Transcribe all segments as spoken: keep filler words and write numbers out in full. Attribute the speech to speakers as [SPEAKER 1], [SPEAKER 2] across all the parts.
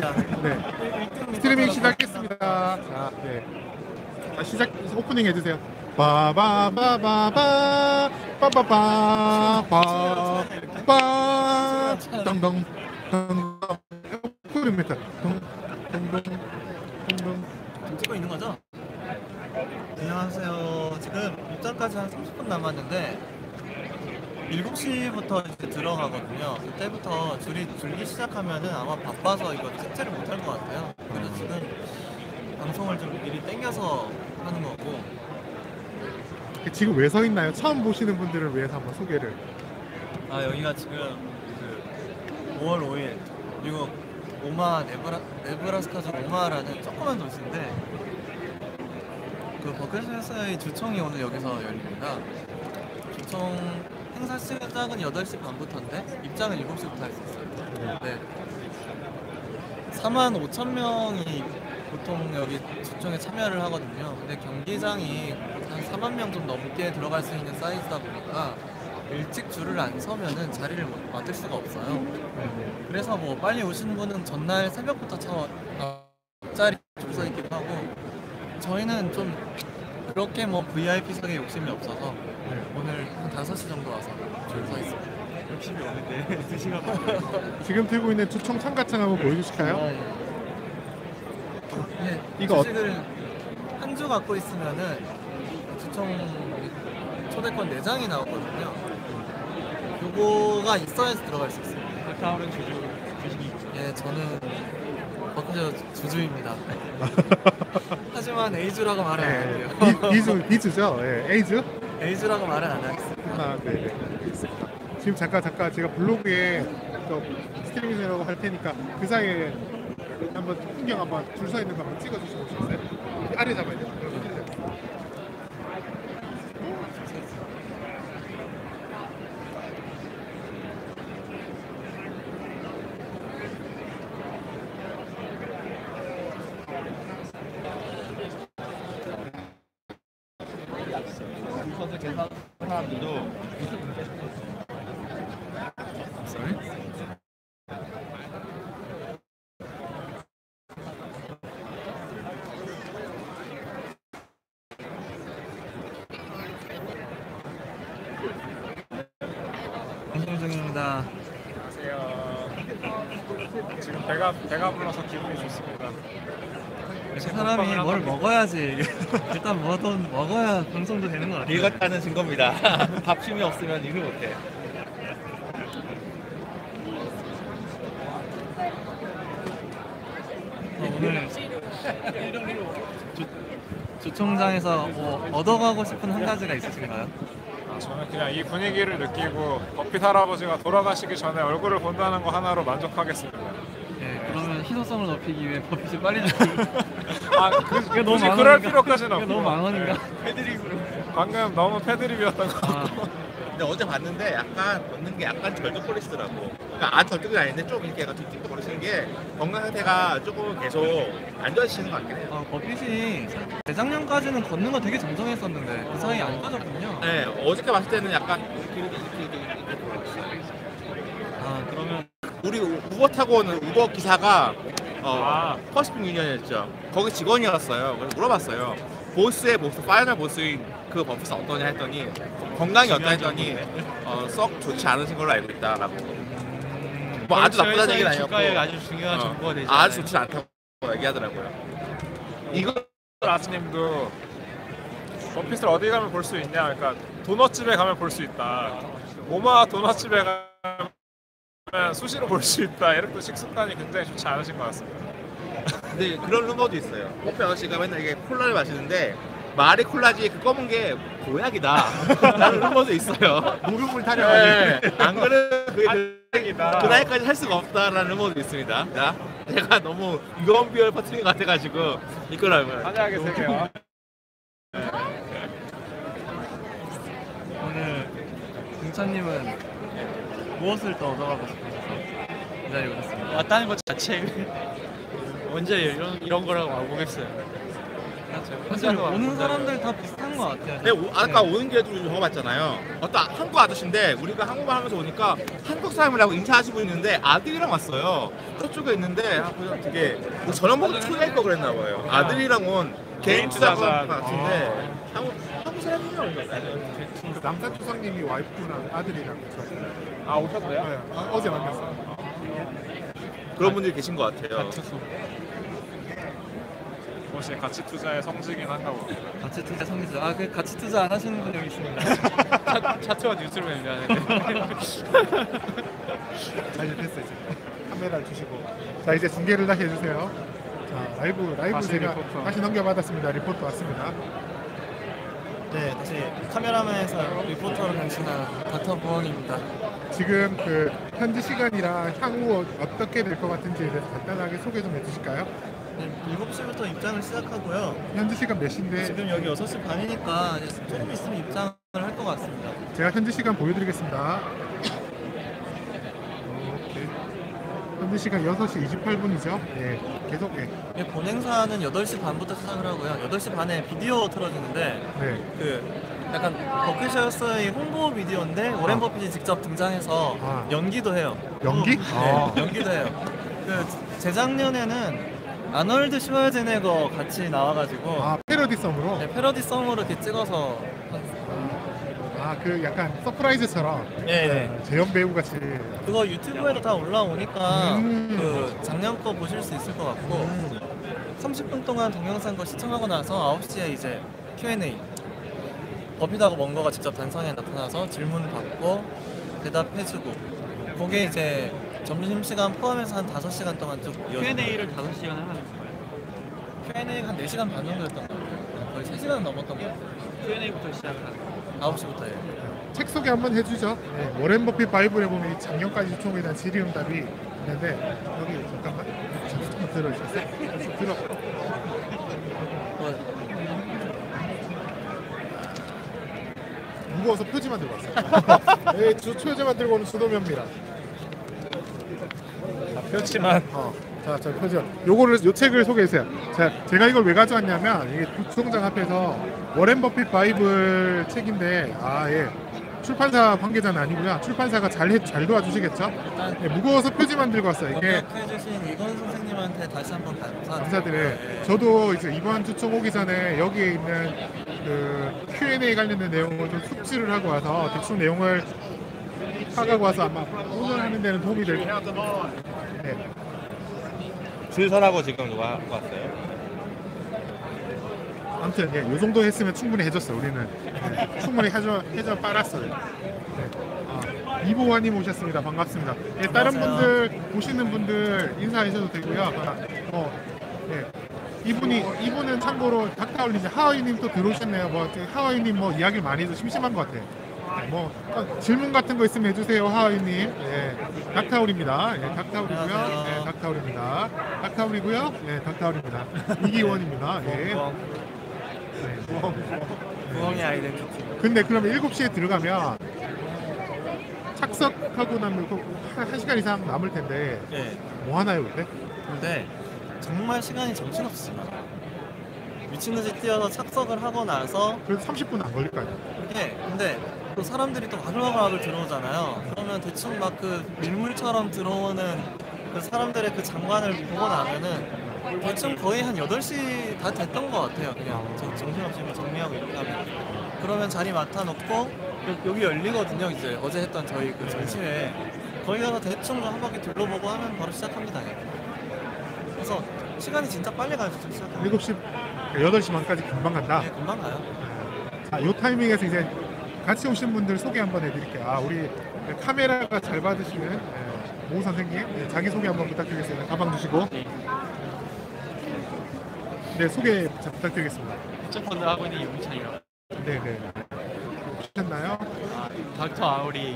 [SPEAKER 1] 네. 스트리밍 시작했습니다. 자, 네. 자, 시작 오프닝 해주세요. 바바바바바 바바바 바바 덩덩 덩덩 오프닝입니다. 덩덩 덩덩.
[SPEAKER 2] 지금 찍고 있는 거죠? 안녕하세요. 지금 입장까지 한 삼십 분 남았는데 일곱 시부터 이제 들어가거든요. 그때부터 줄이 줄기 시작하면은 아마 바빠서 이거 삭제를 못 할 것 같아요. 그래서 지금 방송을 좀 미리 땡겨서 하는 거고.
[SPEAKER 1] 지금 왜 서 있나요? 처음 보시는 분들을 위해서 한번 소개를.
[SPEAKER 2] 아, 여기가 지금 그 오월 오일 미국 오마 네브라, 네브라스카주 오마라는 조그만 도시인데 그 버클리스의 주총이 오늘 여기서 열립니다. 주총 행사 시작은 여덟 시 반부터인데 입장은 일곱 시부터 할 수 있어요. 네. 사만 오천 명이 보통 여기 주총에 참여를 하거든요. 근데 경기장이 한 사만 명 좀 넘게 들어갈 수 있는 사이즈다 보니까 일찍 줄을 안 서면은 자리를 맡을 수가 없어요. 그래서 뭐 빨리 오시는 분은 전날 새벽부터 차 앞자리 줄 서 있기도 하고, 저희는 좀 그렇게 뭐 브이아이피석에 욕심이 없어서 오늘 한 다섯 시 정도 와서 줄 서 있습니다. 욕심이 없는데 두 시간
[SPEAKER 1] 지금 들고 있는 주총 참가창 한번 보여주실까요?
[SPEAKER 2] 아, 예. 네,
[SPEAKER 1] 이거
[SPEAKER 2] 주식을 한 주 갖고 있으면은 주총 초대권 네 장이 나오거든요. 요거가 있어야지 들어갈 수 있어요.
[SPEAKER 3] 다음은 주주 주식이.
[SPEAKER 2] 예, 저는 버크셔 주주입니다. 하지만 A주라고 말은 안 할게요.
[SPEAKER 1] 네, 이주 이주죠? 예, 에이즈?
[SPEAKER 2] A주라고 말은 안 하겠습니다.
[SPEAKER 1] 아, 네, 네. 지금 잠깐 잠깐 제가 블로그에 또 스트리밍이라고 할 테니까 그 사이에 한번 풍경 한번 줄 서 있는 거 한번 찍어주시면 좋겠어요? 아래 잡아야 돼요.
[SPEAKER 3] 선수 계산 사람들도
[SPEAKER 2] Sorry? 방송 중입니다.
[SPEAKER 3] 안녕하세요. 지금 배가 배가 불러서 기분이 좋습니다.
[SPEAKER 2] 사람이 뭘 먹어야지. 일단 뭐든 먹어야 방송도 되는 것 같아요.
[SPEAKER 4] 읽었다는 증거입니다. 밥심이 없으면 일을 못해.
[SPEAKER 2] 어, 오늘 주, 주총장에서 뭐 얻어가고 싶은 한 가지가 있으신가요?
[SPEAKER 3] 아, 저는 그냥 이 분위기를 느끼고 버핏 할아버지가 돌아가시기 전에 얼굴을 본다는 거 하나로 만족하겠습니다.
[SPEAKER 2] 예, 그러면 희소성을 높이기 위해 버핏이 빨리 좀.
[SPEAKER 3] 아, 그,
[SPEAKER 2] 그게 너무
[SPEAKER 3] 굳이
[SPEAKER 2] 망언인가?
[SPEAKER 3] 그럴 필요까지는
[SPEAKER 2] 그게
[SPEAKER 3] 없고.
[SPEAKER 2] 너무 망언인가?
[SPEAKER 3] 패드립으로. 방금 너무 패드립이었던 것
[SPEAKER 2] 아,
[SPEAKER 3] 같고.
[SPEAKER 4] 근데 어제 봤는데 약간 걷는 게 약간 절뚝거리시더라고. 그러니까 아 절뚝이 아닌데 좀 이렇게 약간 뒤집거리시는 게 건강 상태가 조금 계속 안 좋아지시는 것 같긴 해요.
[SPEAKER 2] 아, 버핏이 재작년까지는 걷는 거 되게 정정했었는데 그 사이에 안 빠졌군요.
[SPEAKER 4] 네, 어저께 봤을 때는 약간 이렇게 이렇게 이렇게 이렇게, 이렇게 돌아갔어요.
[SPEAKER 2] 아, 그러면
[SPEAKER 4] 우리 우- 우버 타고 오는 우버 기사가 어,
[SPEAKER 3] 아.
[SPEAKER 4] 퍼시픽 유니언이었죠. 거기 직원이었어요. 그래서 물어봤어요. 보스의 보스, 파이널 보스인 그 버핏은 어떠냐 했더니 건강이 어떠냐 했더니 어, 썩 좋지 않으신 걸로 알고 있다라고. 뭐 아주 나쁘다는 얘기는 아니었고
[SPEAKER 3] 주가에 아주 중요한
[SPEAKER 4] 어,
[SPEAKER 3] 정보가 되지
[SPEAKER 4] 아주 좋지 않다고 얘기하더라고요. 이거
[SPEAKER 3] 아스님도 버핏을 어디 가면 볼 수 있냐? 그러니까 도넛집에 가면 볼 수 있다. 오마 도넛집에 가면 수시로 볼 수 있다. 이렇게 식습관이 굉장히 좋지 않으신 것 같습니다.
[SPEAKER 4] 근데 그런 루머도 있어요. 커피 아저씨가 맨날 이게 콜라를 마시는데 말이 콜라지 그 검은 게 보약이다. 라는 루머도 있어요.
[SPEAKER 1] 무릎을
[SPEAKER 4] 네,
[SPEAKER 1] 타려가지고.
[SPEAKER 4] 안 그러면 그게 그,
[SPEAKER 3] 다행이다.
[SPEAKER 4] 그 나이까지 할 수가 없다라는 루머도 있습니다. 자, 제가 너무 유언 비어를 퍼뜨린 것 같아가지고 이거라면
[SPEAKER 3] 환하게 세요.
[SPEAKER 2] 오늘 등찬님은 무엇을 더 얻어가고 싶으셔서 이 자리에 오셨습니다.
[SPEAKER 3] 왔다는 것 자체 언제 이런 이런 거라고 와보겠어요.
[SPEAKER 2] 사실 오는 사람들 다 비슷한 것 같아요.
[SPEAKER 4] 네, 오, 아까 오는 길에도 우리 적어봤잖아요. 어떤 한국 아저씨인데 우리가 한국말 하면서 오니까 한국 사람이라고 인사하시고 있는데 아들이랑 왔어요. 저쪽에 있는데 아, 그냥 되게 뭐 저녁 먹고 초대할 거 그랬나 봐요. 아들이랑 온 개인 투자자 같은데 한국 한국 사람이에요.
[SPEAKER 1] 그 남산 초상님이 와이프랑 아들이랑 같이
[SPEAKER 3] 아 오셨어요?
[SPEAKER 1] 네, 아, 어제 만났어요.
[SPEAKER 4] 그런 분들이 계신 것 같아요.
[SPEAKER 3] 혹시 가치 투자의 성지긴 한가 보네.
[SPEAKER 2] 가치 투자 성기죠. 아, 그 가치 투자 안 하시는 분 여기 있습니다.
[SPEAKER 5] 차트와 뉴스를 얘기하는데
[SPEAKER 1] 자 이제 됐어요. 이제 카메라를 주시고 자 이제 중계를 다시 해주세요. 자 라이브 라이브
[SPEAKER 3] 다시
[SPEAKER 1] 제가
[SPEAKER 3] 리포터.
[SPEAKER 1] 다시 넘겨받았습니다. 리포트 왔습니다.
[SPEAKER 2] 네, 다시 카메라맨에서 리포터로 변신한 닥터 부엉입니다.
[SPEAKER 1] 지금 그 현지 시간이랑 향후 어떻게 될 것 같은지에 대해서 간단하게 소개 좀 해주실까요?
[SPEAKER 2] 네, 일곱 시부터 입장을 시작하고요.
[SPEAKER 1] 현지 시간 몇 시인데
[SPEAKER 2] 지금 여기 여섯 시 반이니까 이제 조금 있으면 입장을 할 것 같습니다.
[SPEAKER 1] 제가 현지 시간 보여드리겠습니다. 오케이. 현지 시간 여섯 시 이십팔 분이죠. 예, 계속 예.
[SPEAKER 2] 이 본행사는 여덟 시 반부터 시작을 하고요. 여덟 시 반에 비디오 틀어주는데
[SPEAKER 1] 네.
[SPEAKER 2] 그 약간 버크셔스의 홍보 비디오인데 오렌
[SPEAKER 1] 아.
[SPEAKER 2] 버핏이 직접 등장해서
[SPEAKER 1] 아.
[SPEAKER 2] 연기도 해요.
[SPEAKER 1] 연기?
[SPEAKER 2] 네,
[SPEAKER 1] 아.
[SPEAKER 2] 연기도 해요. 그 재작년에는 아놀드 슈왈제네거 같이 나와가지고
[SPEAKER 1] 아 패러디성으로.
[SPEAKER 2] 네, 패러디성으로 이렇게 찍어서
[SPEAKER 1] 아 그 약간 서프라이즈처럼.
[SPEAKER 2] 네, 네.
[SPEAKER 1] 재현 배우 같이.
[SPEAKER 2] 그거 유튜브에도 다 올라오니까
[SPEAKER 1] 음.
[SPEAKER 2] 그 작년 거 보실 수 있을 것 같고
[SPEAKER 1] 음.
[SPEAKER 2] 삼십 분 동안 동영상 거 시청하고 나서 아홉 시에 이제 큐 앤 에이 버핏하고 먼거가 직접 단상에 나타나서 질문 받고 대답해주고 그게 이제 점심시간 포함해서 한 다섯 시간 동안 쭉 이어져요.
[SPEAKER 5] 큐 앤 에이를 다섯 시간을 하는 거예요.
[SPEAKER 2] 큐 앤 에이가 한 네 시간 반 정도였던 것 같아요. 거의 세 시간 넘었던 것 같아요.
[SPEAKER 5] 큐 앤 에이부터 시작을 하는 거예요.
[SPEAKER 2] 아홉 시부터예요.
[SPEAKER 1] 책 소개 한번 해주죠. 네, 워렌 버핏 바이블에 보면 이 작년까지 추총에 대한 질의응답이 있는데 여기 잠깐만 잠깐 들어주세요. 들어.
[SPEAKER 2] 뭐,
[SPEAKER 1] 무거워서 표지만 들고 왔어요. 네, 주 표지만 들고 오는 주도면입니다.
[SPEAKER 3] 그렇지만
[SPEAKER 1] 어, 자, 저 표지. 요거를 요 책을 소개해주세요. 자, 제가 이걸 왜 가져왔냐면 이게 부총장 앞에서 워렌 버핏 바이블 책인데 아 예. 출판사 관계자는 아니고요. 출판사가 잘, 해, 잘 도와주시겠죠?
[SPEAKER 2] 일단
[SPEAKER 1] 네, 무거워서 표지만 들고 왔어요. 이게
[SPEAKER 2] 협력해주신 이건 선생님한테 다시 한번 감사.
[SPEAKER 1] 감사드려요. 저도 이제 이번 주총 오기 전에 여기에 있는 그 큐 앤 에이 관련된 내용을 좀 숙지를 하고 와서 대충 내용을 파가고 와서 아마 오늘 하는 데는 도움이 될 거예요. 네.
[SPEAKER 4] 줄 서라고 지금 누가 하고 왔어요?
[SPEAKER 1] 아무튼 예, 요 정도 했으면 충분히 해줬어. 우리는 네, 충분히 해줘 해줘 빨았어요. 네. 아, 이보환님 오셨습니다. 반갑습니다. 예, 다른
[SPEAKER 2] 안녕하세요.
[SPEAKER 1] 분들 보시는 분들 인사하셔도 되고요. 아, 어, 예. 이분이 이분은 참고로 닥터올리님 하와이님 또 들어오셨네요. 뭐 하와이님 뭐 이야기를 많이 해서 심심한 것 같아요. 네, 뭐 어, 질문 같은 거 있으면 해주세요, 하와이님. 예, 닥터올입니다. 예, 닥터올이고요.
[SPEAKER 2] 안녕하세요.
[SPEAKER 1] 예, 닥터올입니다. 닥터올이고요. 예, 닥터올입니다. 이기원입니다. 예. 네, 뭐,
[SPEAKER 2] 부엉이 아이덴티티.
[SPEAKER 1] 근데 그러면 일곱 시에 들어가면 착석하고 나면 또 한, 한 시간 이상 남을 텐데
[SPEAKER 2] 예.
[SPEAKER 1] 뭐 하나요 그때?
[SPEAKER 2] 근데 정말 시간이 정신없습니다. 미친듯이 뛰어서 착석을 하고 나서
[SPEAKER 1] 그래도 삼십 분 안 걸릴 거 아니에요?
[SPEAKER 2] 이게 근데 또 사람들이 또 와글와글 들어오잖아요. 그러면 대충 막 그 밀물처럼 들어오는 그 사람들의 그 장관을 보고 나면은 대충 거의 한 여덟 시 다 됐던 것 같아요. 그냥 저- 정신없이 뭐 정리하고 이렇게 하면 그러면 자리 맡아놓고 여- 여기 열리거든요. 이제 어제 했던 저희 그 전시회 거기 가서 대충 한 바퀴 둘러보고 하면 바로 시작합니다. 그래서 시간이 진짜 빨리 가요. 좀 시작하면.
[SPEAKER 1] 일곱 시, 여덟 시 반까지 금방 간다.
[SPEAKER 2] 네, 금방 가요.
[SPEAKER 1] 자, 요 타이밍에서 이제 같이 오신 분들 소개 한번 해드릴게요. 아, 우리 카메라가 잘 받으시는 예, 모 선생님 예, 자기 소개 한번 부탁드리겠습니다. 가방 주시고. 네, 소개 잘 부탁드리겠습니다.
[SPEAKER 5] 펀드 하고 있는 이웅찬이라고.
[SPEAKER 1] 네, 네. 보셨나요?
[SPEAKER 5] 아, 닥터 아울이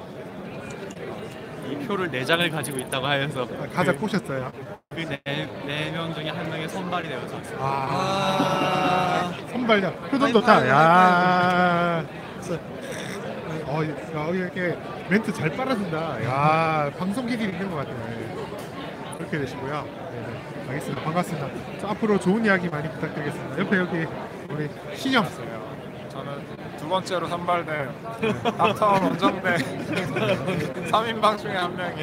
[SPEAKER 5] 이 표를 네 장을 가지고 있다고 하여서
[SPEAKER 1] 아, 가자 꼬셨어요.
[SPEAKER 5] 그네명 중에 한 명의 선발이 되어서 왔어요.
[SPEAKER 1] 아,
[SPEAKER 2] 아,
[SPEAKER 1] 선발력. 표정
[SPEAKER 2] 아이고,
[SPEAKER 1] 좋다.
[SPEAKER 2] 아이고,
[SPEAKER 1] 야. 어, 야, 이렇게 멘트 잘 빨아준다. 야, 방송 기질이 있는 것 같아요. 그렇게 되시고요. 네. 네. 알겠습니다. 반갑습니다. 저 앞으로 좋은 이야기 많이 부탁드리겠습니다. 옆에 여기 우리 신영.
[SPEAKER 3] 저는 두 번째로 선발된 닥터원 원정대 삼 인방 중에 한 명이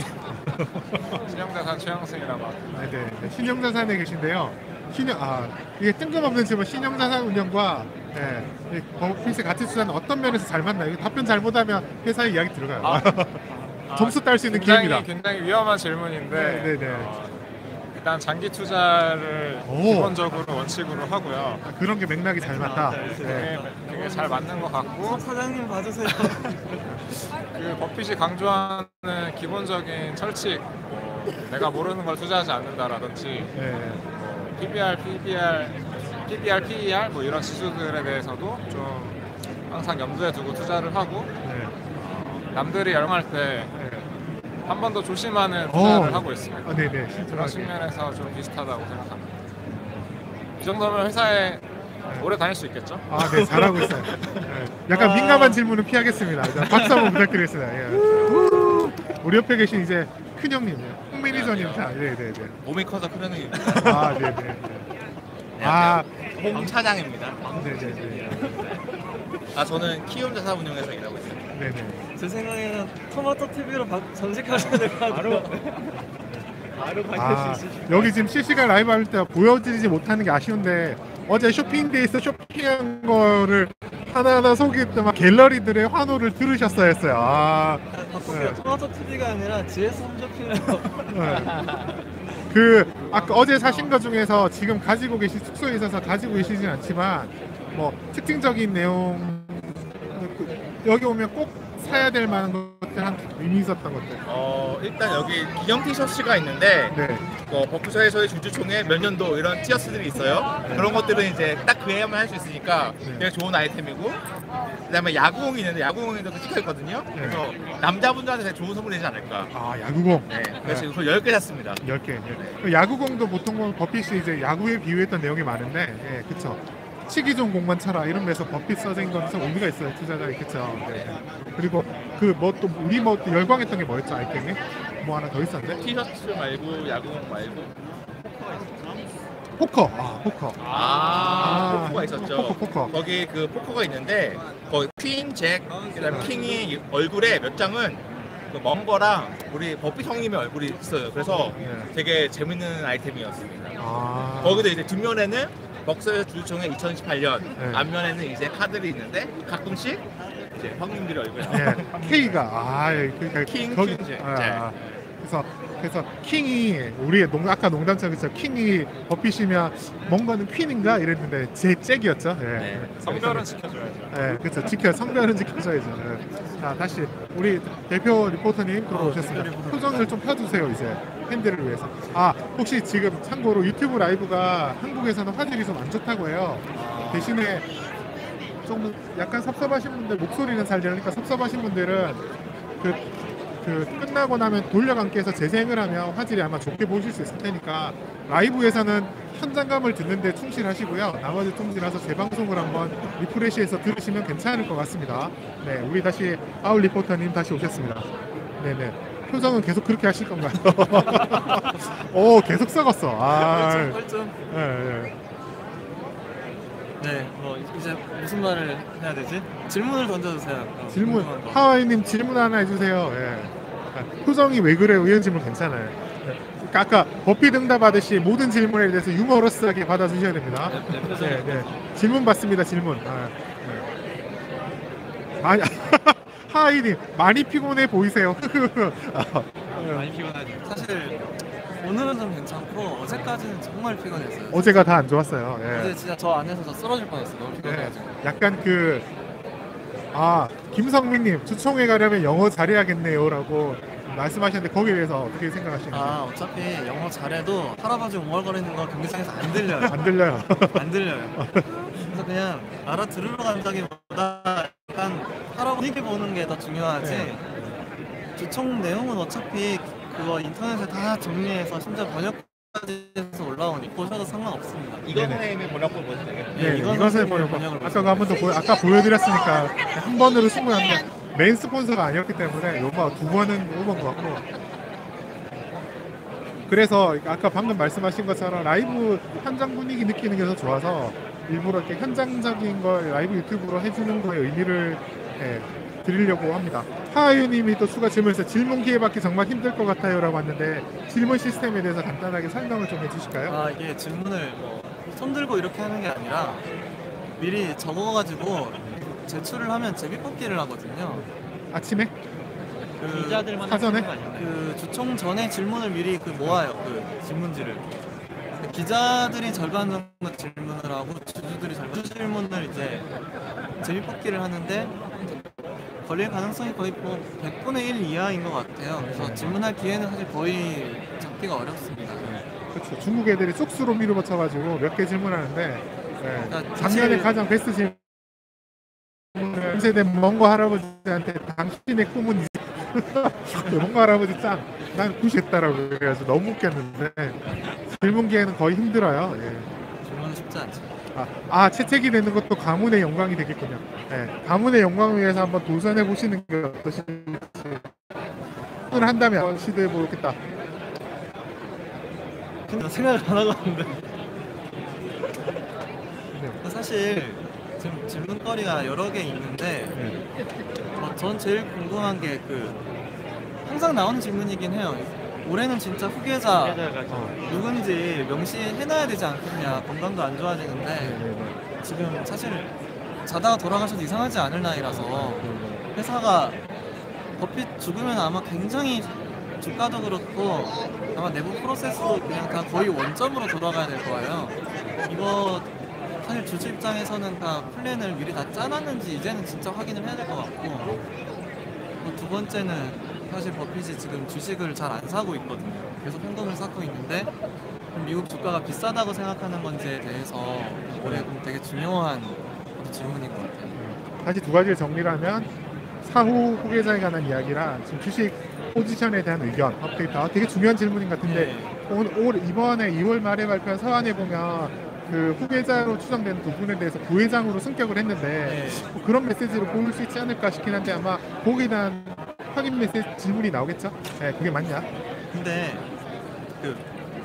[SPEAKER 3] 신영자산 최영승이라고 합니다.
[SPEAKER 1] 네, 네, 네. 신영자산에 계신데요. 신영 아 이게 뜬금없는 질문. 신영자산 운영과 네, 이 버핏이 같이 투자는 어떤 면에서 잘 맞나요? 이거 답변 잘못하면 회사의 이야기 들어가요.
[SPEAKER 3] 아,
[SPEAKER 1] 점수 딸 수 있는
[SPEAKER 3] 굉장히,
[SPEAKER 1] 기회입니다.
[SPEAKER 3] 굉장히 위험한 질문인데
[SPEAKER 1] 네, 네, 네.
[SPEAKER 3] 어, 일단 장기 투자를
[SPEAKER 1] 오.
[SPEAKER 3] 기본적으로 원칙으로 하고요.
[SPEAKER 1] 아, 그런 게 맥락이 잘 맞다. 네.
[SPEAKER 3] 그게, 그게 잘 맞는 것 같고
[SPEAKER 2] 사장님 봐주세요.
[SPEAKER 3] 그 버핏이 강조하는 기본적인 철칙, 뭐 내가 모르는 걸 투자하지 않는다라든지
[SPEAKER 1] 네.
[SPEAKER 3] 뭐 피비알, 피비알, 피비알, 피이알 뭐 이런 지수들에 대해서도 좀 항상 염두에 두고 투자를 하고
[SPEAKER 1] 네.
[SPEAKER 3] 남들이 열망할 때 한
[SPEAKER 1] 네.
[SPEAKER 3] 번 더 조심하는 투자를
[SPEAKER 1] 오.
[SPEAKER 3] 하고 있습니다.
[SPEAKER 1] 아, 네네.
[SPEAKER 3] 그런
[SPEAKER 1] 신중하게.
[SPEAKER 3] 측면에서 좀 비슷하다고 생각합니다. 이 정도면 회사에 오래 다닐 수 있겠죠?
[SPEAKER 1] 아, 네, 잘하고 있어요. 네. 약간
[SPEAKER 2] 아.
[SPEAKER 1] 민감한 질문은 피하겠습니다. 자, 박수 한번 부탁드리겠습니다. 예. 우리 옆에 계신 이제 큰 형님, 홍 매니저님, 자, 네, 네, 네.
[SPEAKER 4] 몸이 커서 큰 형님.
[SPEAKER 1] 아, 네, 네. 네. 아,
[SPEAKER 4] 홍 차장입니다.
[SPEAKER 1] 네, 네, 네.
[SPEAKER 4] 아 저는 키움 자산운용에서 일하고 있어요.
[SPEAKER 1] 네, 네.
[SPEAKER 2] 제 생각에는 토마토 티비로 전직하셔야 될 것 같아요.
[SPEAKER 5] 바로
[SPEAKER 1] 아, 여기 지금 실시간 라이브 할 때 보여드리지 못하는 게 아쉬운데 어제 쇼핑데이에서 쇼핑한 거를 하나하나 소개했던 막 갤러리들의 환호를 들으셨어야 했어요. 아,
[SPEAKER 2] 바꿀게요.
[SPEAKER 1] 네.
[SPEAKER 2] 토마토 티비가 아니라 지에스 홈쇼핑에서
[SPEAKER 1] 네. 그 아까 어제 사신 것 중에서 지금 가지고 계신 숙소에 있어서 가지고 계시진 않지만 뭐 특징적인 내용 그, 여기 오면 꼭 사야 될 만한 것들 한 의미 있었던 것들.
[SPEAKER 4] 어 일단 여기 기념 티셔츠가 있는데
[SPEAKER 1] 네.
[SPEAKER 4] 뭐 버크셔에서의 주주총회 몇 년도 이런 티셔츠들이 있어요. 그런 것들은 이제 딱 그 해야만 할 수 있으니까 되게 좋은 아이템이고 그다음에 야구공이 있는데 야구공에도 찍혀 있거든요. 그래서 남자분들한테 되게 좋은 선물이 되지 않을까.
[SPEAKER 1] 아, 야구공.
[SPEAKER 4] 네, 그래서 지금 그걸 열 개 샀습니다.
[SPEAKER 1] 열 개. 예. 야구공도 보통 버핏이 이제 야구에 비유했던 내용이 많은데, 예, 그쵸. 치기 좋은 공만 쳐라 이런 데서 버핏 써진 거는 의미가 있어요, 투자자에. 그쵸. 네. 그리고 그 뭐 또 우리 뭐 또 열광했던 게 뭐였죠, 아이템이? 뭐 하나 더 있었는데?
[SPEAKER 4] 티셔츠 말고 야구공 말고
[SPEAKER 1] 포커. 아, 포커.
[SPEAKER 4] 아,
[SPEAKER 1] 아,
[SPEAKER 4] 포커가 있었죠.
[SPEAKER 1] 포커, 포커.
[SPEAKER 4] 거기 그 포커가 있는데 거기 퀸, 잭, 그다음에 킹이 얼굴에 몇 장은 그 멍거랑 우리 버핏 형님의 얼굴이 있어요. 그래서
[SPEAKER 1] 네.
[SPEAKER 4] 되게 재밌는 아이템이었습니다.
[SPEAKER 1] 아.
[SPEAKER 4] 거기도 이제 뒷면에는 벅서의 주주총회 이천십팔 년,
[SPEAKER 1] 네.
[SPEAKER 4] 앞면에는 이제 카드들이 있는데 가끔씩 이제 형님들의 얼굴이
[SPEAKER 1] 예, K가 아, 예, 그러니까
[SPEAKER 4] 킹,
[SPEAKER 1] 거기-
[SPEAKER 4] 킹, 잭.
[SPEAKER 1] 아, 아. 그래서 그래서 킹이 우리 농 아까 농담처럼 그쵸 킹이 버핏이면 뭔가는 퀸인가 이랬는데 제 잭이었죠. 예.
[SPEAKER 4] 네.
[SPEAKER 3] 성별은 지켜줘야죠.
[SPEAKER 1] 예, 그렇죠. 지켜 성별은 지켜줘야죠. 예. 자, 다시 우리 대표 리포터님 들어오셨습니다. 표정을 좀 펴주세요, 이제 팬들을 위해서. 아, 혹시 지금 참고로 유튜브 라이브가 한국에서는 화질이 좀 안 좋다고 해요. 대신에 좀 약간 섭섭하신 분들 목소리는 잘 들으니까 섭섭하신 분들은 그, 그 끝나고 나면 돌려감기 해서 재생을 하면 화질이 아마 좋게 보실 수 있을 테니까 라이브에서는 현장감을 듣는데 충실하시고요. 나머지 충실해서 재방송을 한번 리프레시해서 들으시면 괜찮을 것 같습니다. 네, 우리 다시 아울 리포터님 다시 오셨습니다. 네네. 표정은 계속 그렇게 하실 건가요? 오, 계속 썩었어. 아,
[SPEAKER 2] 펄좀
[SPEAKER 1] 예, 예.
[SPEAKER 2] 네, 뭐 이제 무슨 말을 해야 되지? 질문을 던져주세요. 어,
[SPEAKER 1] 질문
[SPEAKER 2] 궁금한 거.
[SPEAKER 1] 하와이님 질문 하나 해주세요. 예. 아, 표정이 왜 그래요? 이런 질문 괜찮아요. 예. 그러니까 아까 버핏 응답 하듯이 모든 질문에 대해서 유머러스하게 받아주셔야 됩니다.
[SPEAKER 2] 네, 네, 표정이
[SPEAKER 1] 네, 네. 질문 받습니다. 질문. 아, 네. 아니 하와이님 많이 피곤해 보이세요. 아,
[SPEAKER 5] 많이 피곤하죠.
[SPEAKER 2] 사실 오늘은 좀 괜찮고 어제까지는 정말 피곤했어요.
[SPEAKER 1] 어제가 다 안 좋았어요. 예.
[SPEAKER 2] 어제 진짜 저 안에서 저 쓰러질 뻔했어요. 너무
[SPEAKER 1] 네.
[SPEAKER 2] 피곤해가지고.
[SPEAKER 1] 약간 그 아, 김성민님 주총회 가려면 영어 잘해야겠네요라고 말씀하셨는데 거기에 대해서 어떻게 생각하시나요?
[SPEAKER 2] 아 어차피 영어 잘해도 할아버지 웅얼거리는 거 경기장에서 안 들려요.
[SPEAKER 1] 안 들려요.
[SPEAKER 2] 안 들려요. 그래서 그냥 알아들으러 간다기보다 약간 할아버지 보는 게 더 중요하지.
[SPEAKER 1] 네.
[SPEAKER 2] 주총 내용은 어차피 그거 인터넷에 다 정리해서 심지어 번역까지 해서 올라오니 보셔도 상관없습니다.
[SPEAKER 4] 이건
[SPEAKER 1] 네네.
[SPEAKER 4] 선생님의 번역본 보시면 되겠네요.
[SPEAKER 1] 네,
[SPEAKER 2] 이건
[SPEAKER 1] 이것을
[SPEAKER 2] 선생님의
[SPEAKER 1] 보여
[SPEAKER 2] 번역을
[SPEAKER 1] 아까 그 한 번 더 보여 아까 보여드렸으니까 한 번으로 승부하는데 메인 스폰서가 아니었기 때문에 요거 두 번은 오번 것 같고 그래서 아까 방금 말씀하신 것처럼 라이브 현장 분위기 느끼는 게 더 좋아서 일부러 이렇게 현장적인 걸 라이브 유튜브로 해주는 거에 의미를 예, 드리려고 합니다. 하하유님이 또 추가 질문에서 질문 기회 받기 정말 힘들 것 같아요라고 왔는데 질문 시스템에 대해서 간단하게 설명을 좀 해주실까요?
[SPEAKER 2] 아 이게 질문을 뭐 손들고 이렇게 하는 게 아니라 미리 적어가지고 제출을 하면 제비뽑기를 하거든요.
[SPEAKER 1] 아침에
[SPEAKER 2] 그,
[SPEAKER 5] 기자들만
[SPEAKER 1] 사전에?
[SPEAKER 5] 하는 거 아닌가요?
[SPEAKER 2] 그 주총 전에 질문을 미리 그 모아요. 그 질문지를. 그 기자들이 절반 정도 질문을 하고 주주들이 절반 질문을 이제 제비뽑기를 하는데 걸릴 가능성이 거의 뭐 백분의 일 이하인 것 같아요. 그래서 질문할 기회는 사실 거의 잡기가 어렵습니다.
[SPEAKER 1] 그렇죠. 중국 애들이 쑥스로 밀어붙여가지고 몇 개 질문하는데 예,
[SPEAKER 2] 그러니까
[SPEAKER 1] 작년에
[SPEAKER 2] 사실-
[SPEAKER 1] 가장 베스트 질문을 세대 멍거 할아버지한테 당신의 꿈은 이- 멍거 할아버지 짱! 난 구시했다라고 그래가지고 너무 웃겼는데 질문 기회는 거의 힘들어요. 예.
[SPEAKER 2] 질문은 쉽지 않죠.
[SPEAKER 1] 아, 아 채택이 되는 것도 가문의 영광이 되겠군요. 예, 가문의 영광을 위해서 한번 도전해 보시는 게 어떠실지 오늘 한다면 한번 시도해 보겠다.
[SPEAKER 2] 근데 생각을 안 하고 왔는데
[SPEAKER 1] 네.
[SPEAKER 2] 사실 지금 질문거리가 여러 개 있는데
[SPEAKER 1] 네.
[SPEAKER 2] 어, 전 제일 궁금한 게 그 항상 나오는 질문이긴 해요. 올해는 진짜 후계자
[SPEAKER 5] 기자가
[SPEAKER 1] 어.
[SPEAKER 2] 누군지 명시해놔야 되지 않겠냐. 건강도 안 좋아지는데
[SPEAKER 1] 네, 네,
[SPEAKER 2] 지금 사실 자다가 돌아가셔도 이상하지 않을 나이라서
[SPEAKER 1] 네.
[SPEAKER 2] 회사가 버핏 죽으면 아마 굉장히 주가도 그렇고 아마 내부 프로세스도 그냥 다 거의 원점으로 돌아가야 될 거예요. 이거 사실 주주 입장에서는 다 플랜을 미리 다 짜놨는지 이제는 진짜 확인을 해야 될 것 같고 그리고 두 번째는 사실 버핏이 지금 주식을 잘 안 사고 있거든요. 계속 현금을 쌓고 있는데 미국 주가가 비싸다고 생각하는 건지에 대해서 올해 좀 되게 중요한 질문인 것 같아요.
[SPEAKER 1] 다시 두 가지를 정리를 하면 사후 후계자에 관한 이야기랑 지금 주식 포지션에 대한 의견 업데이트 아, 되게 중요한 질문인 것 같은데
[SPEAKER 2] 네.
[SPEAKER 1] 오늘 올 이번에 이월 말에 발표한 서한에 보면 그 후계자로 추정되는 두 분에 대해서 부회장으로 승격을 했는데
[SPEAKER 2] 네.
[SPEAKER 1] 뭐 그런 메시지로 보일 수 있지 않을까 싶긴 한데 아마 거기에 대한 확인 메시지 질문이 나오겠죠? 네, 그게 맞냐?
[SPEAKER 2] 근데 그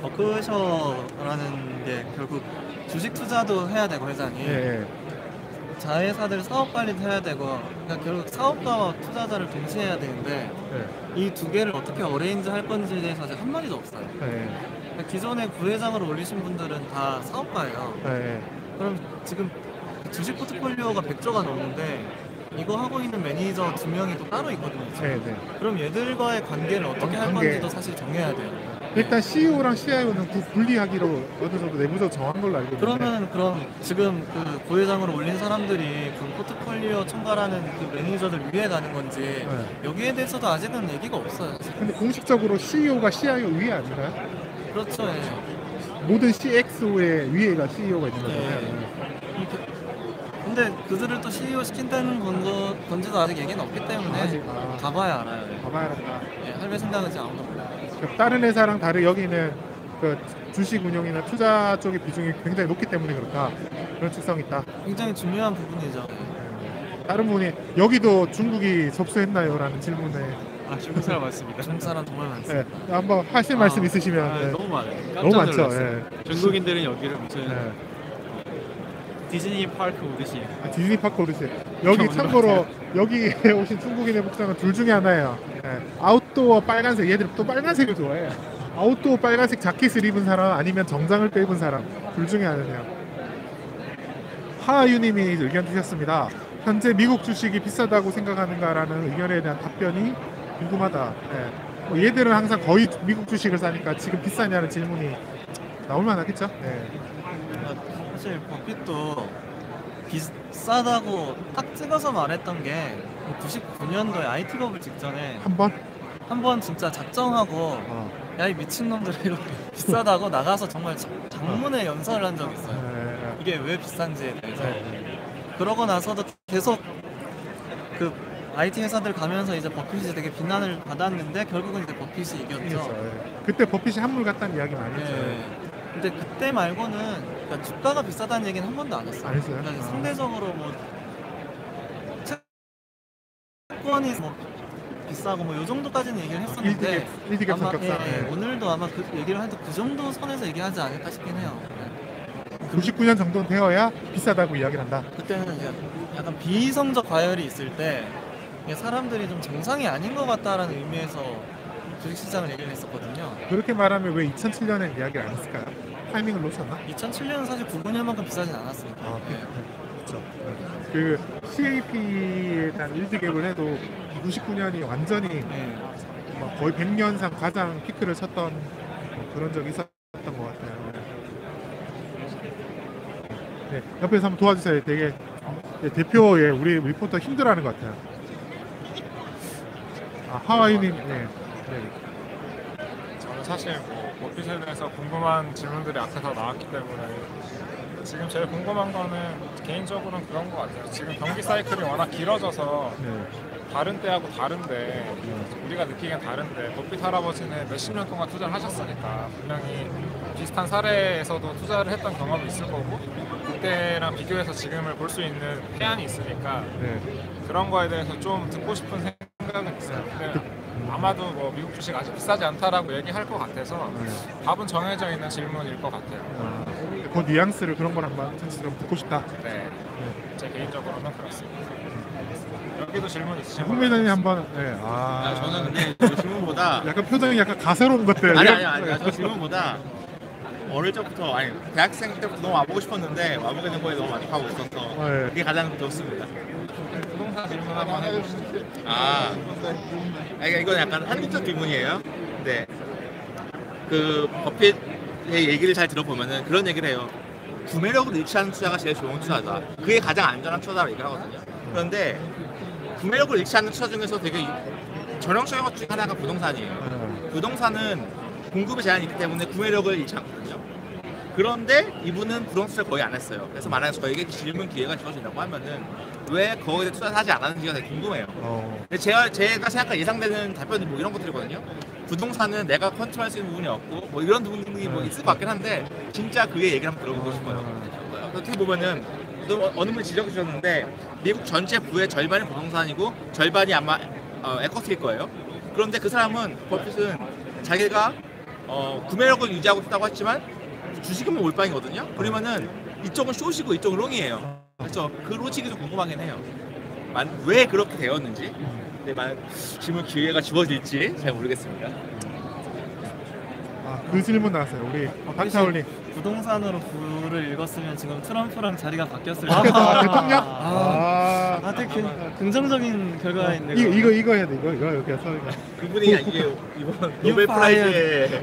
[SPEAKER 2] 버크셔라는 게 결국 주식 투자도 해야 되고 회장이
[SPEAKER 1] 예, 예.
[SPEAKER 2] 자회사들 사업 관리도 해야 되고 그러니까 결국 사업가와 투자자를 동시에 해야 되는데
[SPEAKER 1] 예,
[SPEAKER 2] 이 두 개를 어떻게 어레인지 할 건지에 대해서 아직 한 마디도 없어요.
[SPEAKER 1] 예,
[SPEAKER 2] 그러니까 기존에 부회장으로 올리신 분들은 다 사업가예요.
[SPEAKER 1] 예, 예.
[SPEAKER 2] 그럼 지금 주식 포트폴리오가 백조가 넘는데 이거 하고 있는 매니저 두 명이 또 따로 있거든요. 지금.
[SPEAKER 1] 네, 네.
[SPEAKER 2] 그럼 얘들과의 관계를 어떻게 할
[SPEAKER 1] 관계.
[SPEAKER 2] 건지도 사실 정해야 돼요.
[SPEAKER 1] 일단 씨이오랑 씨아이오는 분리하기로 어느 정도 내부적으로 정한 걸로 알고 있는데
[SPEAKER 2] 그러면 그럼 지금 그 부회장으로 올린 사람들이 그 포트폴리오 총괄하는 그 매니저들 위에 가는 건지
[SPEAKER 1] 네.
[SPEAKER 2] 여기에 대해서도 아직은 얘기가 없어요. 사실.
[SPEAKER 1] 근데 공식적으로 씨이오가 씨아이오 위에 아닌가요?
[SPEAKER 2] 그렇죠. 예.
[SPEAKER 1] 모든 씨엑스오의 위에가 씨이오가 있는
[SPEAKER 2] 예.
[SPEAKER 1] 거잖아요.
[SPEAKER 2] 이렇게- 근데 그들을 또 씨이오 시킨다는 건거, 건지도 아직 얘기는 없기 때문에
[SPEAKER 1] 아직, 아.
[SPEAKER 2] 가봐야 알아요. 예.
[SPEAKER 1] 가봐야 한다.
[SPEAKER 2] 예, 할배 생각은 지금 아무도 몰라요.
[SPEAKER 1] 그러니까 다른 회사랑 다르게 여기는 그 주식 운용이나 투자 쪽의 비중이 굉장히 높기 때문에 그렇다. 그런 특성이 있다.
[SPEAKER 2] 굉장히 중요한 부분이죠.
[SPEAKER 1] 다른 분이 여기도 중국이 접수했나요? 라는 질문에
[SPEAKER 5] 아 중국 사람 맞습니다.
[SPEAKER 2] 중국 사람 정말 많습니다.
[SPEAKER 1] 네, 한번 하실 말씀
[SPEAKER 5] 아,
[SPEAKER 1] 있으시면
[SPEAKER 5] 아,
[SPEAKER 1] 네.
[SPEAKER 5] 너무 많아요. 깜짝
[SPEAKER 1] 너무 많죠.
[SPEAKER 5] 놀랐어요.
[SPEAKER 1] 예.
[SPEAKER 5] 중국인들은 여기를 무슨
[SPEAKER 1] 네.
[SPEAKER 5] 디즈니 파크 오듯이
[SPEAKER 1] 아, 디즈니 파크 오르세 여기
[SPEAKER 5] 어디로
[SPEAKER 1] 참고로 여기 오신 중국인의 복장은 둘 중에 하나예요. 예. 아웃도어 빨간색 얘들 또 빨간색을 좋아해. 아웃도어 빨간색 자켓을 입은 사람 아니면 정장을 빼입은 사람 둘 중에 하나네요. 하하유님이 의견 주셨습니다. 현재 미국 주식이 비싸다고 생각하는가라는 의견에 대한 답변이 궁금하다. 예. 뭐 얘들은 항상 거의 미국 주식을 사니까 지금 비싸냐는 질문이 나올 만하겠죠. 예.
[SPEAKER 2] 아, 사실 버핏도 비싸다고 딱 찍어서 말했던 게 구십구 년도에 아이티 버블 직전에
[SPEAKER 1] 한 번.
[SPEAKER 2] 한 번 진짜 작정하고
[SPEAKER 1] 어.
[SPEAKER 2] 야 이 미친놈들 이거 비싸다고 나가서 정말 자- 장문의 연설을 한 적이 있어요.
[SPEAKER 1] 예.
[SPEAKER 2] 이게 왜 비싼지에 대해서.
[SPEAKER 1] 예.
[SPEAKER 2] 그러고 나서도 계속 그 아이티 회사들 가면서 이제 버핏이 되게 비난을 받았는데 결국은 이제 버핏이
[SPEAKER 1] 이겼죠.
[SPEAKER 2] 이겼죠.
[SPEAKER 1] 예. 그때 버핏이 한물 같다는 이야기 많이 했죠.
[SPEAKER 2] 예. 근데 그때 말고는 그러니까 주가가 비싸다는 얘기는 한 번도 안 했어요.
[SPEAKER 1] 안 했어요?
[SPEAKER 2] 그러니까
[SPEAKER 1] 아.
[SPEAKER 2] 상대적으로 뭐 채권이 뭐 비싸고 뭐 요 정도까지는 얘기를 했었는데
[SPEAKER 1] 일 디귿
[SPEAKER 2] 아마
[SPEAKER 1] 성격상.
[SPEAKER 2] 예, 예,
[SPEAKER 1] 네.
[SPEAKER 2] 오늘도 아마 그 얘기를 해도 그 정도 선에서 얘기하지 않을까 싶긴 해요.
[SPEAKER 1] 구십구 년 정도는 되어야 비싸다고 이야기를 한다.
[SPEAKER 2] 그때는 이제 약간 비이성적 과열이 있을 때 이게 사람들이 좀 정상이 아닌 것 같다라는 의미에서 주식시장을 얘기를 했었거든요.
[SPEAKER 1] 그렇게 말하면 왜 이천칠 년에 이야기를 안 했을까요? 타이밍을 놓쳤나?
[SPEAKER 2] 이천칠 년은 사실 구구 년만큼 비싸진 않았으니까.
[SPEAKER 1] 아,
[SPEAKER 2] 예.
[SPEAKER 1] 그렇죠. 그 씨에이피에 대한 일 디귿을 해도 구십구 년이 완전히
[SPEAKER 2] 예.
[SPEAKER 1] 뭐 거의 백 년상 가장 피크를 쳤던 뭐 그런 적이 있었던 것 같아요. 네, 옆에서 한번 도와주세요. 되게 네, 대표의 우리 리포터 힘들어하는 것 같아요. 아, 하와이님, 네. 네.
[SPEAKER 3] 저는 사실 뭐 버핏에 대해서 궁금한 질문들이 앞에서 나왔기 때문에 지금 제일 궁금한 거는 개인적으로는 그런 것 같아요. 지금 경기 사이클이 워낙 길어져서
[SPEAKER 1] 네.
[SPEAKER 3] 다른 때하고 다른데 우리가 느끼기엔 다른데 버핏 할아버지는 몇십 년 동안 투자를 하셨으니까 분명히 비슷한 사례에서도 투자를 했던 경험이 있을 거고 그때랑 비교해서 지금을 볼 수 있는 해안이 있으니까
[SPEAKER 1] 네.
[SPEAKER 3] 그런 거에 대해서 좀 듣고 싶은 생각은 있어요. 근데 아마도 뭐 미국 주식 아직 비싸지 않다라고 얘기할 것 같아서 답은 정해져 있는 질문일 것 같아요.
[SPEAKER 1] 아, 그 뉘앙스를 그런 걸 한번 전체적으로 듣고 싶다.
[SPEAKER 3] 네, 제 개인적으로는 그렇습니다. 여기도 질문 있으신
[SPEAKER 1] 홍 매장님 한번. 네. 아,
[SPEAKER 4] 아, 저는 근데 그 질문보다
[SPEAKER 1] 약간 표정이 약간 가세로운 것들.
[SPEAKER 4] 아니 아니 아니 저 질문보다 어릴 적부터 아니 대학생 때부터 너무 와보고 싶었는데 와보게 된 거에 너무 만족하고 있어서
[SPEAKER 1] 네.
[SPEAKER 4] 그게 가장 좋습니다.
[SPEAKER 3] 부동산 질문 한번 해주시죠.
[SPEAKER 4] 아, 아니, 이건 약간 한국적 질문이에요. 근데 그 버핏의 얘기를 잘 들어보면은 그런 얘기를 해요. 구매력을 잃지않는 투자가 제일 좋은 투자다. 그게 가장 안전한 투자라고 얘기를 하거든요. 그런데 구매력을 잃지 않는 투자 중에서 되게 전형적인 것 중에 하나가 부동산이에요. 부동산은 공급의 제한이 있기 때문에 구매력을 잃지 않거든요. 그런데 이분은 부동산 투자를 거의 안 했어요. 그래서 만약에 저에게 질문 기회가 주어진다고 하면은 왜 거기에 대해 투자를 하지 않았는지가 되게 궁금해요.
[SPEAKER 1] 어,
[SPEAKER 4] 근데 제가 제가 생각한 예상되는 답변이 뭐 이런 것들이거든요. 부동산은 내가 컨트롤할 수 있는 부분이 없고 뭐 이런 부분이 뭐 있을 것 같긴 한데 진짜 그의 얘기를 한번 들어보고 싶어요. 어떻게 보면은 또 어느 분이 지적해 주셨는데 미국 전체 부의 절반이 부동산이고 절반이 아마 어, 에쿼티일 거예요. 그런데 그 사람은 버핏은 자기가 어, 구매력을 유지하고 싶다고 했지만 주식은 몰빵이거든요. 그러면은 이쪽은 숏이고 이쪽은 롱이에요. 그래서 그 로직이 좀 궁금하긴 해요. 만, 왜 그렇게 되었는지. 근데 만 질문 기회가 주어질지 잘 모르겠습니다.
[SPEAKER 1] 아, 그 질문 나왔어요. 우리 박타올님.
[SPEAKER 2] 부동산으로 부를 읽었으면 지금 트럼프랑 자리가 바뀌었을
[SPEAKER 1] 아,
[SPEAKER 2] 텐데.
[SPEAKER 1] 대통령?
[SPEAKER 2] 아,
[SPEAKER 1] 아,
[SPEAKER 2] 아, 되게 긍- 긍정적인 결과인데.
[SPEAKER 1] 이거 이거 이거 해야 돼. 이거 이거 이렇게 해서 이거.
[SPEAKER 4] 그분이 이게 이번 노벨 프라이즈에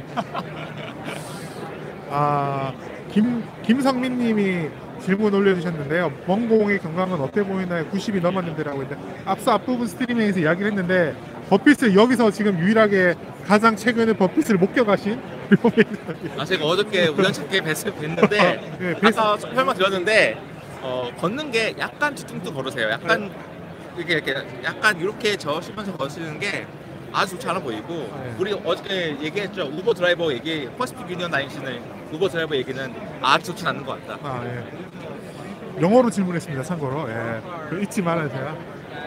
[SPEAKER 1] 아, 김 김성민님이 질문 올려주셨는데요. 먼 공의 경감은 어때 보이나요? 구십이 넘었는데라고 했는데 앞서 앞부분 스트리밍에서 이야기를 했는데 버핏을 여기서 지금 유일하게 가장 최근에 버핏을 목격하신
[SPEAKER 4] 아 제가 어저께 우연찮게 뵀, 뵀는데
[SPEAKER 1] 네, 뵀-
[SPEAKER 4] 아까 설명 드렸는데 어, 걷는 게 약간 뒤뚱뚱 걸으세요. 약간 이렇게 이렇게 약간 이렇게 저시면서 걸으시는 게 아주 좋지 않아 보이고
[SPEAKER 1] 네.
[SPEAKER 4] 우리 어저께 얘기했죠. 우버 드라이버 얘기 퍼시픽 유니언 다니시는 우버 드라이버 얘기는 아주 좋지 않은 것 같다.
[SPEAKER 1] 아, 예. 영어로 질문했습니다. 참고로. 예. 그 잊지 말아야 돼요.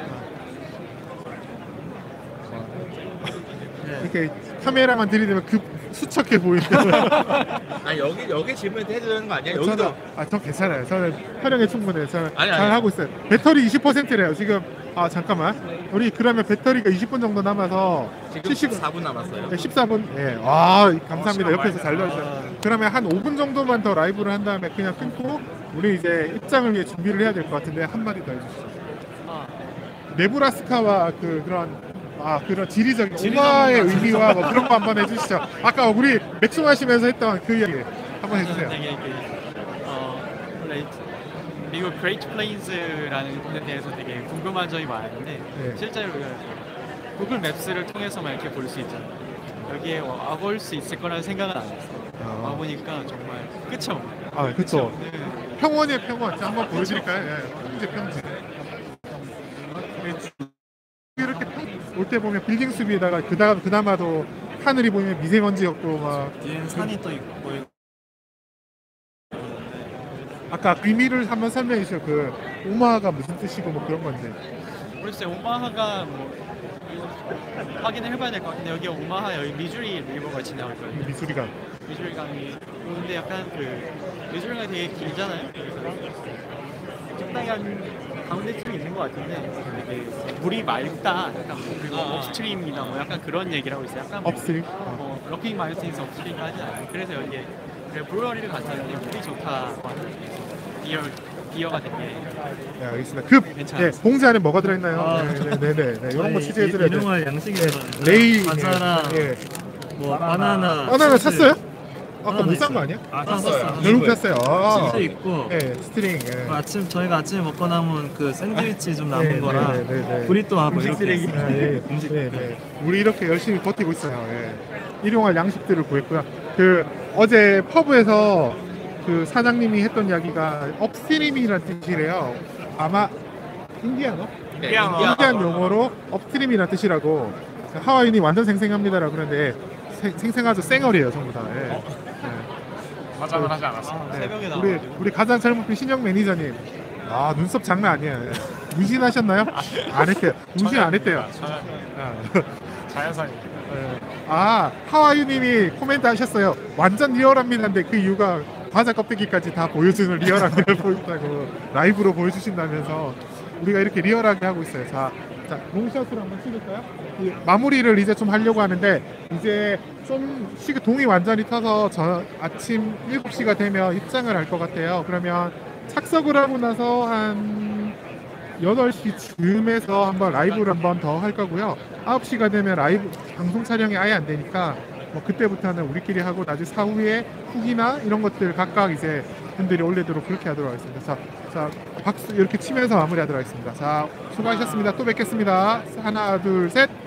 [SPEAKER 2] 네.
[SPEAKER 1] 이렇게 카메라만 들이대면 급 수척해 보이는.
[SPEAKER 4] 아니 여기 여기 질문 해야 되는 거 아니야?
[SPEAKER 1] 저는
[SPEAKER 4] 여기도
[SPEAKER 1] 아, 저 괜찮아요. 저는 활용에 충분해요. 저는
[SPEAKER 4] 아니,
[SPEAKER 1] 잘
[SPEAKER 4] 아니.
[SPEAKER 1] 하고 있어요. 배터리 이십 퍼센트래요. 지금 아 잠깐만. 우리 그러면 배터리가 이십 분 정도 남아서
[SPEAKER 4] 지금
[SPEAKER 1] 칠십
[SPEAKER 4] 사 분 남았어요.
[SPEAKER 1] 네, 십사 분. 예. 아, 감사합니다.
[SPEAKER 3] 시간
[SPEAKER 1] 옆에서
[SPEAKER 3] 많이
[SPEAKER 1] 잘 넣어주세요. 그러면 한 오 분 정도만 더 라이브를 한 다음에 그냥 끊고 우리 이제 입장을 위해 준비를 해야 될 것 같은데 한마디 더 해주시죠.
[SPEAKER 2] 아,
[SPEAKER 1] 네브라스카와 그 그런 아 그런 지리적인 오마의 의미와 뭐 그런 거 한번 해주시죠. 아까 우리 맥주 마시면서 했던 그 이야기 한번 해주세요.
[SPEAKER 5] 되게 그, 어, 원래 미국 그레이트 플레인즈라는 곳에 대해서 되게 궁금한 점이 많은데
[SPEAKER 1] 네.
[SPEAKER 5] 실제로 그 구글 맵스를 통해서만 이렇게 볼 수 있잖아요. 여기에 와볼 수 있을 거라는 생각은 안 했어요.
[SPEAKER 1] 아,
[SPEAKER 5] 와보니까 정말 끝이 없네요.
[SPEAKER 1] 아 그쵸.
[SPEAKER 5] 네.
[SPEAKER 1] 평원의 평원. 자, 한번 보여드릴까요? 예. 평지 평지. 이렇게 올 때 보면 빌딩 숲에다가 그다음 그나마도 하늘이 보이면 미세먼지였고 막
[SPEAKER 2] 뒤에는 산이 또 있고
[SPEAKER 1] 아까 의미를 한번 설명해 주세요. 그 오마가 무슨 뜻이고 뭐 그런 건데.
[SPEAKER 5] 모르겠어요. 오마하가 뭐 확인을 해봐야 될 것 같은데 여기 오마하 여기 미주리 리버가 지나갈 거예요.
[SPEAKER 1] 미술이가
[SPEAKER 5] 미주리 강이 근데 약간 그 미주리 강이 되게 길잖아요. 그래서 적당히 한 가운데쯤 있는 것 같은데 되게 물이 맑다. 약간 뭐 그리고 업스트림이나 뭐 약간 그런 얘기를 하고 있어요. 약간 뭐
[SPEAKER 1] 업스트림.
[SPEAKER 5] 뭐 럭킹 마운틴스 업스트림 하지 않아요. 그래서 여기에 그래 브루어리를 갔었는데 물이 좋다. 비어 비어가 되게
[SPEAKER 1] 네, 알겠습니다. 급.
[SPEAKER 5] 괜찮아요.
[SPEAKER 1] 네, 봉지 안에 뭐가 들어있나요?
[SPEAKER 6] 아.
[SPEAKER 1] 네, 네, 네, 네, 네. 이런 거
[SPEAKER 6] 저희
[SPEAKER 1] 취재해드려야
[SPEAKER 6] 이-
[SPEAKER 1] 돼.
[SPEAKER 6] 일용할 양식이
[SPEAKER 1] 레이.
[SPEAKER 6] 과자랑
[SPEAKER 1] 예.
[SPEAKER 6] 뭐 바나나.
[SPEAKER 1] 바나나
[SPEAKER 6] 치즈.
[SPEAKER 1] 샀어요? 아까
[SPEAKER 6] 바나나
[SPEAKER 1] 못 산 거
[SPEAKER 6] 있어요.
[SPEAKER 1] 아니야?
[SPEAKER 6] 아, 샀어요.
[SPEAKER 1] 결국 샀어요. 아.
[SPEAKER 6] 치즈 있고.
[SPEAKER 1] 예, 스트링. 예.
[SPEAKER 6] 그 아침 저희가 아침에 먹고 남은 그 샌드위치 좀 남은
[SPEAKER 1] 네,
[SPEAKER 6] 거랑
[SPEAKER 1] 네, 네, 네.
[SPEAKER 6] 브리또하고
[SPEAKER 5] 음식
[SPEAKER 6] 이렇게
[SPEAKER 5] 쓰레기.
[SPEAKER 6] 있어요.
[SPEAKER 1] 아, 예,
[SPEAKER 6] 음식
[SPEAKER 1] 네, 네. 우리 이렇게 열심히 버티고 있어요. 예. 일용할 양식들을 구했고요. 그 어제 퍼브에서 그 사장님이 했던 이야기가 업스트림이라는 뜻이래요. 아마 인디아노?
[SPEAKER 4] 네,
[SPEAKER 3] 인디아노.
[SPEAKER 4] 인디아-
[SPEAKER 1] 인디안 용어로 업스트림이라는 뜻이라고 하와이인이 완전 생생합니다라고 그러는데 생- 생생하죠. 쌩얼이에요 전부 다. 예. 예.
[SPEAKER 3] 화장을 하지 않았어.
[SPEAKER 1] 네,
[SPEAKER 5] 새벽에
[SPEAKER 1] 우리
[SPEAKER 5] 나와가지고.
[SPEAKER 1] 우리 가장 젊은 분 신영 매니저님. 아 눈썹 장난 아니에요. 예. 문신하셨나요? 안 했대요. 문신 안 했대요.
[SPEAKER 3] 자연,
[SPEAKER 1] 아.
[SPEAKER 3] 자연산입니다.
[SPEAKER 1] 예. 아 하와이님이 코멘트 하셨어요. 완전 리얼합니다인데 그 이유가 과자 껍데기까지 다 보여주는 리얼한 걸 보였다고 라이브로 보여주신다면서 우리가 이렇게 리얼하게 하고 있어요. 자, 자 롱샷으로 한번 찍을까요? 이 마무리를 이제 좀 하려고 하는데 이제 좀 시계 동이 완전히 타서 저 아침 일곱 시가 되면 입장을 할 것 같아요. 그러면 착석을 하고 나서 한 여덟 시쯤에서 한번 라이브를 한번 더 할 거고요. 아홉 시가 되면 라이브 방송 촬영이 아예 안 되니까 뭐 그때부터는 우리끼리 하고 나중에 사후에 후기나 이런 것들 각각 이제 분들이 올리도록 그렇게 하도록 하겠습니다. 자, 자 박수 이렇게 치면서 마무리하도록 하겠습니다. 자, 수고하셨습니다. 또 뵙겠습니다. 하나, 둘, 셋.